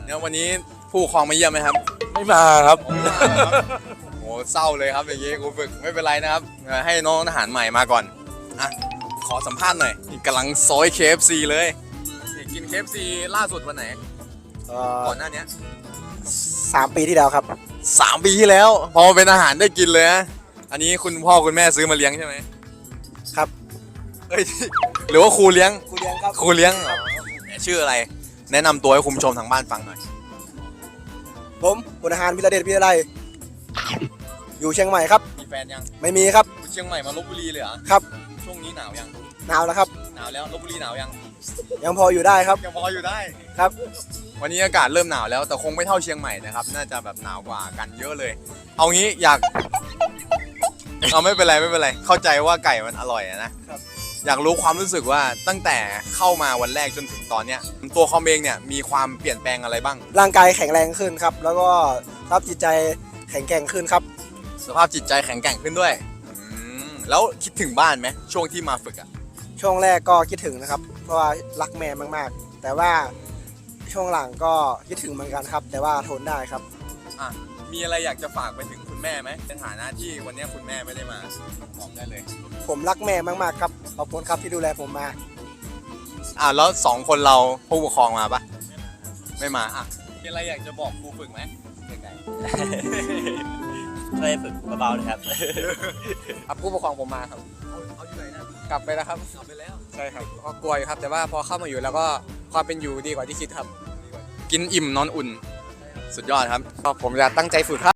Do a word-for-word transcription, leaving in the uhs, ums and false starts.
เนี่ยวันนี้ผู้ปกครองมาเยี่ยมไหมครับไม่มาครับโอ้เศร้าเลยครับอย่างงี้ครูฝึกไม่เป็นไรนะครับให้น้องทหารใหม่มาก่อนอ่ะขอสัมภาษณ์หน่อยนี่กำลังซอย เค เอฟ ซี เลยนี่กิน เค เอฟ ซี ล่าสุดวันไหนก่อนหน้านี้สามปีที่แล้วครับสามปีที่แล้วพอเป็นอาหารได้กินเลยนะอันนี้คุณพ่อคุณแม่ซื้อมาเลี้ยงใช่ไหมครับเอ้ยหรือว่าครูเลี้ยงครูเลี้ยงครับครูเลี้ยงเหรอชื่ออะไร แนะนำตัวให้คุณผู้ชมทางบ้านฟังหน่อยผมพลทหารวิรเดชวิทยาลัยอยู่เชียงใหม่ครับมีแฟนยังไม่มีครับคุณเชียงใหม่มาลบบุรีเลยเหรอครับช่วงนี้หนาวยังหนาวแล้วครับหนาวแล้วลบบุรีหนาวยังยังพออยู่ได้ครับยังพออยู่ได้ครับวันนี้อากาศเริ่มหนาวแล้วแต่คงไม่เท่าเชียงใหม่นะครับน่าจะแบบหนาวกว่ากันเยอะเลย เอางี้อยาก เอาไม่เป็นไรไม่เป็นไรเข้าใจว่าไก่มันอร่อยอะนะอยากรู้ความรู้สึกว่าตั้งแต่เข้ามาวันแรกจนถึงตอนเนี้ยตัวคอมเองเนี่ยมีความเปลี่ยนแปลงอะไรบ้างร่างกายแข็งแรงขึ้นครับ แล้วก็สภาพจิตใจแข็งแกร่งขึ้นครับสภาพจิตใจแข็งแกร่งขึ้นด้วยอืมแล้วคิดถึงบ้านไหมช่วงที่มาฝึกอ่ะช่วงแรกก็คิดถึงนะครับ เพราะว่ารักแม่มากๆ แต่ว่าช่วงหลังก็คิดถึงเหมือนกันครับ แต่ว่าทนได้ครับอ่ะมีอะไรอยากจะฝากไปถึงคุณแม่ไหมในฐานะที่วันนี้คุณแม่ไม่ได้มาบอกได้เลยผมรักแม่มากๆครับขอบคุณครับที่ดูแลผมมาอ่ะแล้วสองคนเราผู้ปกครองมาปะไม่มาอ่ะมีอะไรอยากจะบอกครูฝึกไหมไกลช่วยฝึกเบาๆนะครับครับผู้ปกครองผมมาครับๆเอาเอาอยู่ไหนนะกลับไปแล้วครับกลับไปแล้วใช่ครับก็กลัวอยู่ครับ แต่ว่าพอเข้ามาอยู่แล้วก็ความเป็นอยู่ดีกว่าที่คิดครับกินอิ่มนอนอุ่น สุดยอดครับก็ผมจะตั้งใจฝึกครับ